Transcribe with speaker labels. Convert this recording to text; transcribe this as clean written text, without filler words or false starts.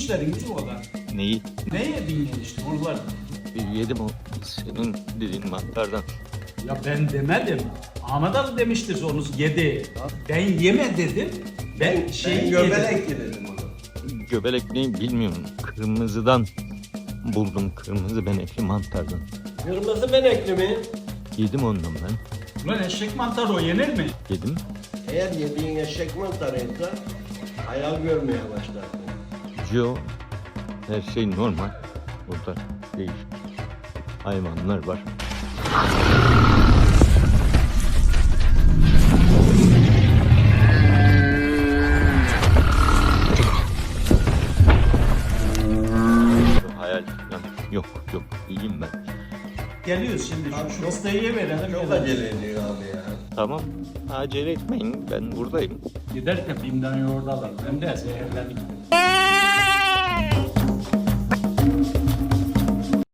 Speaker 1: işleriniz o kadar.
Speaker 2: Neyi?
Speaker 1: Ne yedin işte onlar?
Speaker 2: Yedim o senin dediğin mantardan.
Speaker 1: Ya ben demedim. Ahmet Ali demiştir onu yedi. Ben yeme dedim. Ben şey
Speaker 3: Ben
Speaker 1: yedim.
Speaker 3: göbelek dedim onu.
Speaker 2: Göbelek neyi bilmiyorum. Kırmızıdan buldum, kırmızı benekli mantardan.
Speaker 3: Kırmızı benekli mi?
Speaker 2: Yedim ondan ben.
Speaker 1: Ulan eşek mantarı o yenir mi?
Speaker 2: Yedim.
Speaker 3: Eğer yediğin eşek mantarıysa hayal görmeye başlarsın.
Speaker 2: Yo, her şey normal. Burada değişik hayvanlar var. Hayal falan yok yok iyiyim ben.
Speaker 1: Geliyoruz şimdi şu listeyi verelim.
Speaker 3: Çok acele ediyor abi ya.
Speaker 2: Tamam acele etmeyin ben buradayım.
Speaker 1: Giderken bimden yoğurdu alalım. Hem de zehirlendik.